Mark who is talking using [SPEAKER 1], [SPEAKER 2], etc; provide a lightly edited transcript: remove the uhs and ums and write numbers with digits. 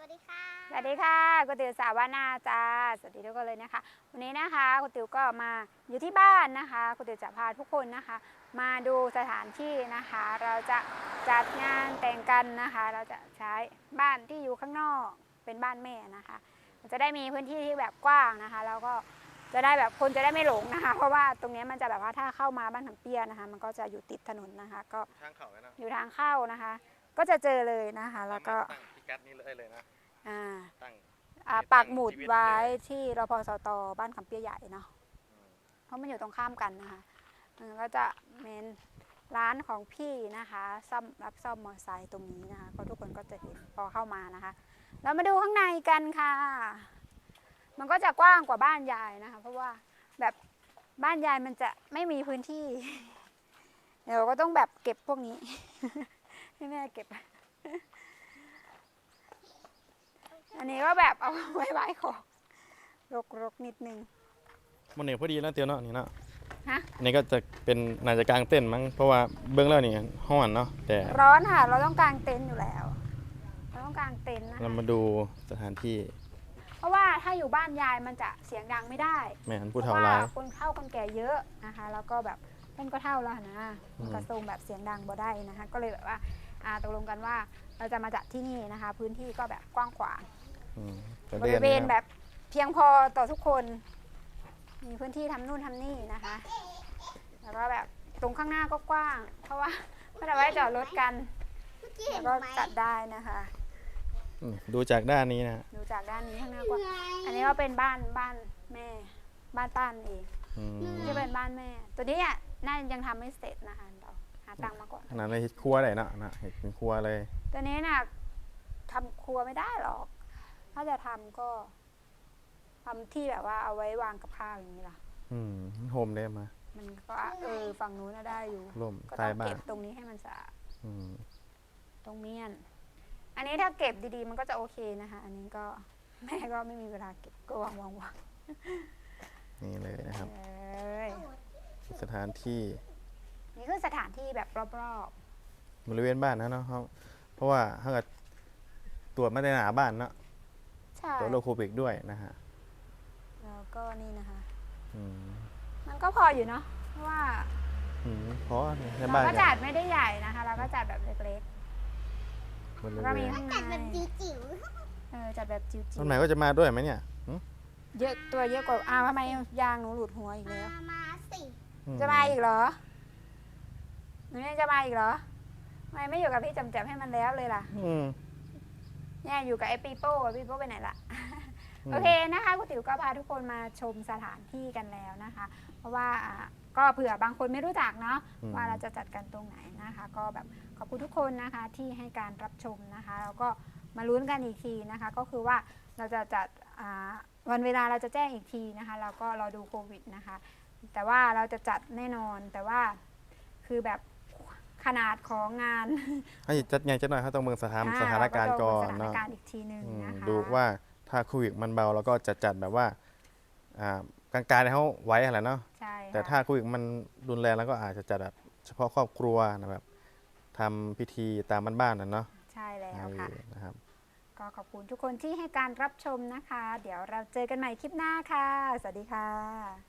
[SPEAKER 1] ดีค่ะ
[SPEAKER 2] สวัสดีค่ะก๋วยเตี๋ยวสาวานาจ้าสวัสดีทุกคนเลยนะคะวันนี้นะคะก๋วยเตี๋ยวก็มาอยู่ที่บ้านนะคะก๋วยเตี๋ยวจะพาทุกคนนะคะมาดูสถานที่นะคะเราจะจัดงานแต่งกันนะคะเราจะใช้บ้านที่อยู่ข้างนอกเป็นบ้านแม่นะคะจะได้มีพื้นที่ที่แบบกว้างนะคะแล้วก็จะได้แบบคนจะได้ไม่หลงนะคะเพราะว่าตรงนี้มันจะแบบว่าถ้าเข้ามาบ้านขำเปียนะคะมันก็จะอยู่ติดถนนนะคะก็
[SPEAKER 3] ทางเขาเลยนะ
[SPEAKER 2] อยู่ทางเข้านะคะก็จะเจอเลยนะคะแล้วก็
[SPEAKER 3] ตั้งพิกัดนี้เลยนะ
[SPEAKER 2] อ่า
[SPEAKER 3] ตั้ง
[SPEAKER 2] ปักหมุด
[SPEAKER 3] ชีวิต
[SPEAKER 2] ไว้
[SPEAKER 3] เลย
[SPEAKER 2] ที่รพสตบ้านขำเปียใหญ่เนาะเพราะมันอยู่ตรงข้ามกันนะคะก็จะเป็นร้านของพี่นะคะรับซ่อมมอเตอร์ไซค์ตรงนี้นะคะก็ทุกคนก็จะเห็นพอเข้ามานะคะเรามาดูข้างในกันค่ะมันก็จะกว้างกว่าบ้านยายนะคะเพราะว่าแบบบ้านยายมันจะไม่มีพื้นที่เดี๋ยวก็ต้องแบบเก็บพวกนี้ ให้แม่เก็บอันนี้ก็แบบเอาไว้ไว้ของรกนิดนึง
[SPEAKER 3] มันเนี่ยพอดีแล้วเตียวเนาะนี่เนาะ
[SPEAKER 2] ฮะ
[SPEAKER 3] นี่ก็จะเป็นน่าจะกลางเต้นมั้งเพราะว่าเบื้องแล้วนี่ห้อนเนาะแต่
[SPEAKER 2] ร้อนค่ะเราต้องกางเต็นท์อยู่แล้วเราต้องกางเต็นท์นะคะ
[SPEAKER 3] เรามาดูสถานที่
[SPEAKER 2] เพราะว่าถ้าอยู่บ้านยายมันจะเสียงดังไม่ได้
[SPEAKER 3] แม่น
[SPEAKER 2] เพ
[SPEAKER 3] ผู้
[SPEAKER 2] ราะ
[SPEAKER 3] เฒ่า
[SPEAKER 2] ว่า
[SPEAKER 3] ร้าย
[SPEAKER 2] คนเฒ่าคนแก่เยอะนะคะแล้วก็แบบเพิ่นก็เฒ่าแล้วนะกระทรงแบบเสียงดังบ่ได้นะคะก็เลยแบบว่าตกลงกันว่าเราจะมาจัดที่นี่นะคะพื้นที่ก็แบบกว้างขวางบริเวณแบบเพียงพอต่อทุกคนมีพื้นที่ทำนู่นทำนี่นะคะแล้วก็แบบตรงข้างหน้าก็กว้างเพราะว่าไม่ได้ไว้จอดรถกันแล้วก็จัดได้นะคะ
[SPEAKER 3] ดูจากด้านนี้นะ
[SPEAKER 2] ดูจากด้านนี้ข้างหน้ากว้างอันนี้ก็เป็นบ้านแม่บ้านป้านเองจะเป็นบ้านแม่ตัวนี้น่ายังทำไม่เสร็จนะคะเราหาตังค์มาก่อน
[SPEAKER 3] นั่นเลยครัวเลยนะเห็ดเป็นครัวเลย
[SPEAKER 2] ตัวนี้น่ะทำครัวไม่ได้หรอกถ้าจะทำก็ทำที่แบบว่าเอาไว้วางกับข้าวอย่างนี้ล่ะ
[SPEAKER 3] โฮมได้มา
[SPEAKER 2] มันก็ฝั่งนู้นได้อยู่
[SPEAKER 3] ร่ม
[SPEAKER 2] ก็
[SPEAKER 3] ใต้
[SPEAKER 2] ต้อง
[SPEAKER 3] บ้าน
[SPEAKER 2] เก็บตรงนี้ให้มันสะอาดตรงเมียนอันนี้ถ้าเก็บดีๆมันก็จะโอเคนะคะอันนี้ก็แม่ก็ไม่มีเวลาเก็บก็วาง
[SPEAKER 3] นี่เลยนะครับสถานที่
[SPEAKER 2] นี่คือสถานที่แบบรอบ
[SPEAKER 3] ๆบริเวณบ้านนะเนาะเพราะว่าถ้าเกิดตรวจมาในหนาบ้านเนาะ
[SPEAKER 2] ใช่
[SPEAKER 3] ตัวโรคโควิดด้วยนะฮะ
[SPEAKER 2] แล้วก็นี่นะคะมันก็พออยู่เนาะเพราะว่า
[SPEAKER 3] เพราะใน
[SPEAKER 2] เรา
[SPEAKER 3] บ้าน
[SPEAKER 2] ก็จัดไม่ได้ใหญ่นะคะเราก็จัดแบบเล็ก
[SPEAKER 3] ๆ
[SPEAKER 2] แล้วก็มีข้างใน
[SPEAKER 1] จัดแบบจิ๋ว
[SPEAKER 2] จัดแบบจิ๋ว
[SPEAKER 3] ต้นไหนก็จะมาด้วยไหมเนี่ย
[SPEAKER 2] เยอะตัวเยอะกว่าทำไมยางหนูหลุดหัวอีกแล้ว
[SPEAKER 1] มาสิ
[SPEAKER 2] จะมาอีกเหรอหนูยังจะมาอีกเหรอทำไมไม่อยู่กับพี่จำให้มันแล้วเลยล่ะเนี่ยอยู่กับไอ้ปีโป้ไปไหนล่ะโอเคนะคะคุณติ๋วก็พาทุกคนมาชมสถานที่กันแล้วนะคะ เพราะว่าก็เผื่อบางคนไม่รู้จักเนาะว่าเราจะจัดกันตรงไหนนะคะก็แบบขอบคุณทุกคนนะคะที่ให้การรับชมนะคะแล้วก็มาลุ้นกันอีกทีนะคะก็คือว่าเราจะจัดวันเวลาเราจะแจ้งอีกทีนะคะแล้วก็รอดูโควิดนะคะแต่ว่าเราจะจัดแน่นอนแต่ว่าคือแบบขนาดของงาน
[SPEAKER 3] ให้จัดไงจัดหน่อยเขาต้องเมืองสถานการณ์ก่อน
[SPEAKER 2] เนาะสถานการณ์อีกทีนึงนะคะ
[SPEAKER 3] ดูว่าถ้าโควิดมันเบาแล้วก็จะจัดแบบว่ากลางๆเขาไว้อะไรเนาะแต่ถ้าโควิดมันรุนแรงแล้วก็อาจจะจัดแบบเฉพาะครอบครัวนะแบบทำพิธีตามบ้านๆนั่นเนาะ
[SPEAKER 2] ใช่แล้วค่ะ
[SPEAKER 3] นะครับ
[SPEAKER 2] ก็ขอบคุณทุกคนที่ให้การรับชมนะคะเดี๋ยวเราเจอกันใหม่คลิปหน้าค่ะสวัสดีค่ะ